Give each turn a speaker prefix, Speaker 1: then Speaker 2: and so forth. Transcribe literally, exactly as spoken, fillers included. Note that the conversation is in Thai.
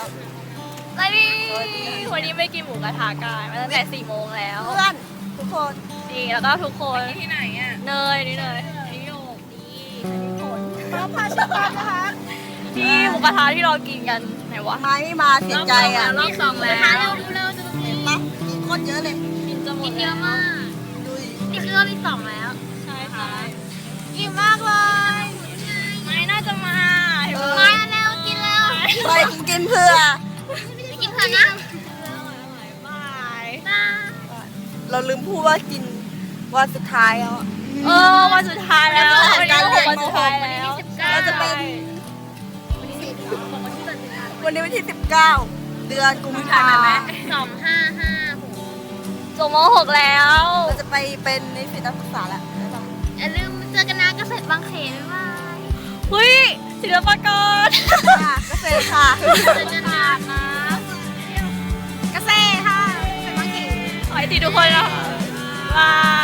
Speaker 1: แล้วนี่วันนี้ไม่กินหมูกระทะกันมาตั้งแต่สี่โมงแล้ว
Speaker 2: เพื่อนทุกคน
Speaker 1: จริงแล้วก็ทุกคน
Speaker 3: ที่ไหนอ่ะ
Speaker 1: เนยนี่เนยนี่โยกนี่อันนี้ฝน
Speaker 2: มาพาชมกันนะคะ
Speaker 1: ที่หมูกระทะที่เรากินกันไหนวะ
Speaker 2: ไม้ไม่มาเสียใจอ่ะ
Speaker 1: รอบสองแล้ว
Speaker 3: เร็วเร็วจะต้องกิน
Speaker 2: ปั๊บมีโคตรเยอะเลย
Speaker 1: กินจะหมด
Speaker 3: เยอะมาก
Speaker 2: ดูดิ
Speaker 3: นี่คือรอบที่สองแล้ว
Speaker 1: ใช่ค่ะ
Speaker 2: อิ่มมากเลย
Speaker 1: ไม่น่าจะมา
Speaker 2: เออ
Speaker 3: มาแล้วกินแล้ว
Speaker 2: ไปกินเพื่อ
Speaker 3: ไปกินเถอะนะ
Speaker 1: บาย
Speaker 3: บาย
Speaker 2: เราลืมพูดว่ากินวันสุดท้ายแล้ว
Speaker 1: เออวันสุดท้ายแล้ววันนี้ก็วันสุดท้ายแล้ว
Speaker 2: เราจะเป็นวันนี้วันที่สิบเก้าเดือนกุมภาพันธ์
Speaker 3: สองห้าห้าหก
Speaker 1: จบม หกแล้ว
Speaker 2: เราจะไปเป็นนิสิตนักศึกษาแล้วบ๊ายบาย
Speaker 3: อย่าลืมเจอกันนะเกษตรบางเขนบ๊ายบาย
Speaker 1: เฮ้ยศิลปากร
Speaker 2: ค่ะเกษตรค่ะ
Speaker 3: เจอกันนะ
Speaker 2: เกษตรค่ะเป็นบางที
Speaker 1: ขอให้ดีทุกคนนะคะบาย